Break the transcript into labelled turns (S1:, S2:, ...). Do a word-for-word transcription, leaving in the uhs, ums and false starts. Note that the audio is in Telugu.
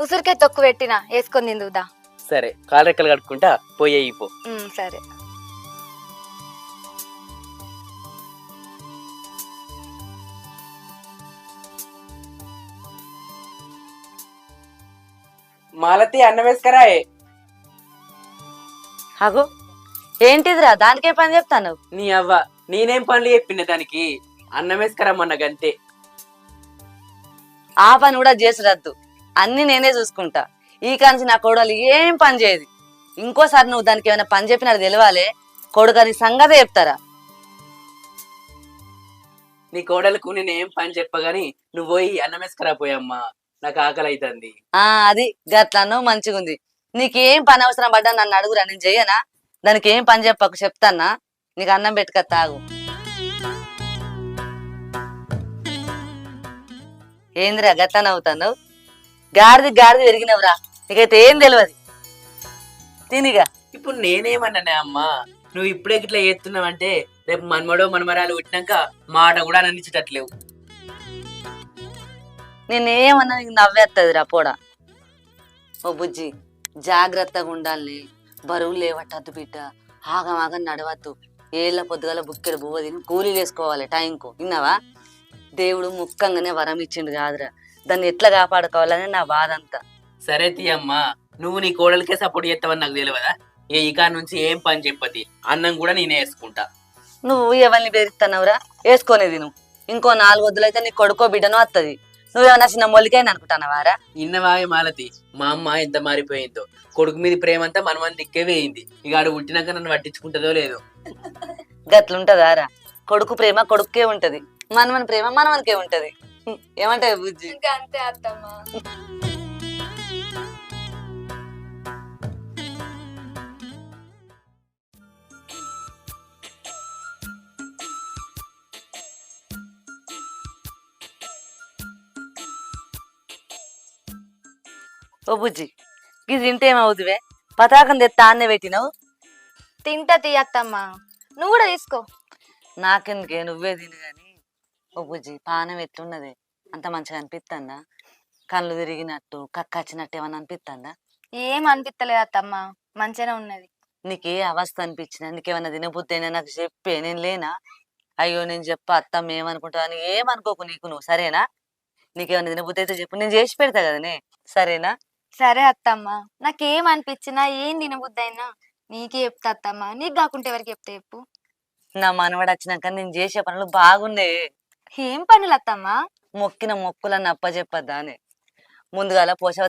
S1: ఉసిరికాయ తొక్కు పెట్టినా వేసుకొని తిందుదా.
S2: సరే కాలు రెక్కలు కట్టుకుంటా పోయి పో.
S1: సరే.
S2: మాలతి అన్నం వేసుకరాయే.
S3: అగో ఏంటిదిరా దానికే పని చెప్తాను.
S2: నీ అవ్వ నేనేం పనులు చెప్పిన దానికి, అన్నం వేసుకరమ్మన్న గంతే.
S3: ఆ పని కూడా చేసురద్దు, అన్ని నేనే చూసుకుంటా. ఈ కాంచి నా కోడలు ఏం పని చేయదు. ఇంకోసారి నువ్వు దానికి ఏమైనా పని చెప్పినది తెలియాలే, కొడుకని సంగతే చెప్తారా.
S2: నీ కోడలకు నేనేం పని చెప్పగాని నువ్వు పోయి అన్నం వేసుకరా పోయమ్మా, నాకు ఆకలి అవుతుంది.
S3: ఆ అది గట్లనో మంచిగుంది. నీకేం పని అవసరం పడ్డా నన్ను అడుగురా, నేను చెయ్యనా. దానికి ఏం పని చెప్పకు, చెప్తానా. నీకు అన్నం పెట్టుక తాగు. ఏందిరా గట్లనే అవుతాను. గాడిది గాడిది పెరిగినవురా, నీకైతే ఏం తెలియదు. తినిగా.
S2: ఇప్పుడు నేనేమన్నానే అమ్మా, నువ్వు ఇప్పుడే ఇట్లా చేస్తున్నావంటే రేపు మన్మడో మన్మరాలు పుట్టినాక మాట కూడా అనిపించేటట్లేవు.
S3: నేనేమన్నా నీకు నవ్వేత్తదిరా పోడా. ఓ బుజ్జి జాగ్రత్తగా ఉండాలి, బరువు లేవట్టద్దు బిడ్డ, ఆగమాగం నడవద్దు. ఏళ్ళ పొద్దుగల బుక్కెడు బువ్వ తిని కూలీలు వేసుకోవాలి టైంకు, విన్నావా. దేవుడు ముక్కంగానే వరం ఇచ్చిండు కాదురా, దాన్ని ఎట్లా కాపాడుకోవాలని నా బాధ అంతా.
S2: సరే తీయమ్మా, నువ్వు నీ కోడలకే సపోర్ట్ చేస్తావని నాకు తెలియదా. ఏ ఈ కాడ నుంచి ఏం పని చెప్పది, అన్నం కూడా నేనే వేసుకుంటా.
S3: నువ్వు ఎవరిని బెదిరిస్తున్నావురా, వేసుకునేది నువ్వు. ఇంకో నాలుగు వద్దులైతే నీ కొడుకో బిడ్డనో వస్తుంది. నువ్వేమన్నా చిన్న మొలికైనా అనుకుంటున్నావారా.
S2: ఇన్నవాయ మాలతి, మా అమ్మ ఎంత మారిపోయిందో. కొడుకు మీద ప్రేమ అంతా మనమని దిక్కే వేయింది. ఇక ఆడు పుట్టినాక నన్ను పట్టించుకుంటుందో లేదో.
S3: గట్లుంటదారా, కొడుకు ప్రేమ కొడుకే ఉంటది, మనమని ప్రేమ మనమనికే ఉంటది. ఏమంటావు బుజ్జి.
S1: అంతే అత్తమ్మా.
S3: ఓ బుజ్జి, ఇది తింటే ఏమవుతువే, పతాకం తెత్తా అన్నే పెట్టినావు.
S1: తింటా తీయత్తమ్మా, నువ్వు కూడా తీసుకో.
S3: నాకెందుకే, నువ్వే తిను గాని. ఓ బుజ్జి, పానం ఎట్లున్నది, అంత మంచిగా అనిపిస్తుందా. కళ్ళు తిరిగినట్టు కక్కచ్చినట్టు ఏమన్నా అనిపిస్తుందా.
S1: ఏం అనిపిస్తలేదు అత్తమ్మా, మంచిగానే ఉన్నది.
S3: నీకే అవస్థ అనిపించిన, నీకేమన్నా తినబుద్ధి అయినా నాకు చెప్పే, నేను లేనా. అయ్యో నేను చెప్ప అత్తమ్మ ఏమనుకుంటా అని ఏమనుకోకు నీకు నువ్వు, సరేనా. నీకేమన్నా తినబుద్ధి అయితే చెప్పు, నేను చేసి పెడతా కదనే, సరేనా.
S1: సరే అత్తమ్మా, నాకేం అనిపించినా ఏం తినబుద్ధి అయినా నీకే చెప్తా అత్తమ్మా, నీకు కాకుంటే ఎవరికి చెప్తా చెప్పు.
S3: నా మనవాడు వచ్చినాక నేను చేసే పనులు బాగున్నాయి.
S1: ఏం పనులు అత్తమ్మా.
S3: మొక్కిన మొక్కులన్నీ అప్పచెప్పద్దా అని. ముందుగాల పోషవ